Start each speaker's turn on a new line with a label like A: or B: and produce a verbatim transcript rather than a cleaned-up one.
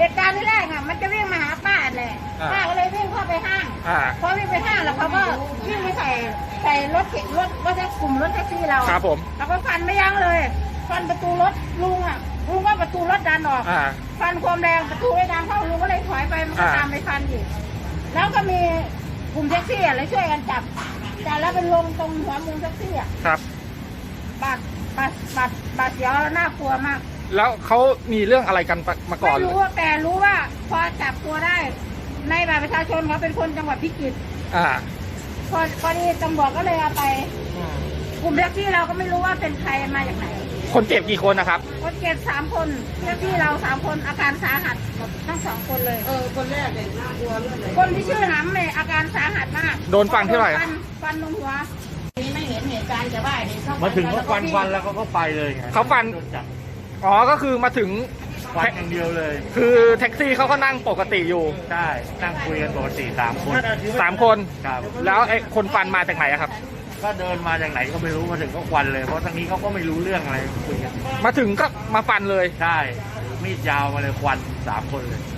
A: ตุการณ์ที่แรกอ่ะมันจะวิ่งมาหาป้าแหละป้าก็เลยวิ่งเข้าไปห้างพอวิ่งไปห้างแล้วเขาก็วิ่งไปใส่ใส่รถเข็นรถรถแท็กกลุ่มรถแท็กซี่เรา
B: ครับผม
A: แล้วก็ฟันไม่ยั้งเลยฟันประตูรถลุงอ่ะลุงก็ประตูรถดันออกฟันความแรงประตูไม่ดันเข้าลุงก็เลยถอยไปมันก็ตามไปฟันอีกแล้วก็มีกลุ่มแท็กซี่อะไรช่วยกันจับจับแล้วเป็นลงตรงหัวมุมแท็กซี่อ่ะ
B: ครับ
A: บาดบาดบาดบาดเสียวน่ากลัวมาก
B: แล้วเขามีเรื่องอะไรกันมาก่อน
A: ไม่รู้แต่รู้ว่าพอจับตัวได้ในบัตรประชาชนเขาเป็นคนจังหวัดพิจิตร
B: อ่า
A: พอพอดีตำรวจก็เลยเอาไปกลุ่มแท็กซี่เราก็ไม่รู้ว่าเป็นใครมาจากไหน
B: คนเจ็บกี่คนนะครับ
A: คนเจ็บสามคนแท็กซี่เราสามคนอาการสาหัสหมดทั้งสองคนเลย
C: เออคนแรกเนี่ยน่ากลัวเรื่องไหน
A: คนที่ชื่อน้ำเนี่ยอาการสาหัสมาก
B: โดนฟันเท่าไหร่
A: ฟันฟันลงหัวนี่ไม่เห็นเหตุการณ์จะว่า
C: มาถึงเขาฟันฟันแล้วเขาก็ไปเลย
B: เขาฟันอ๋อก็คือมาถึง
C: ฟันอย่างเดียวเลย
B: คือแท็กซี่เขาก็นั่งปกติอยู่
C: ใช่นั่งคุยกันปกติสามคน
B: สามคน
C: ครับ
B: แล้วไอ้คนฟันมาจากไหนครับ
C: ก็เดินมาจากไหนก็ไม่รู้มาถึงก็ควันเลยเพราะทางนี้เขาก็ไม่รู้เรื่องอะไรคุยกัน
B: มาถึงก็มาฟันเลย
C: ใช่มีดยาวมาเลยควันสามคนเลย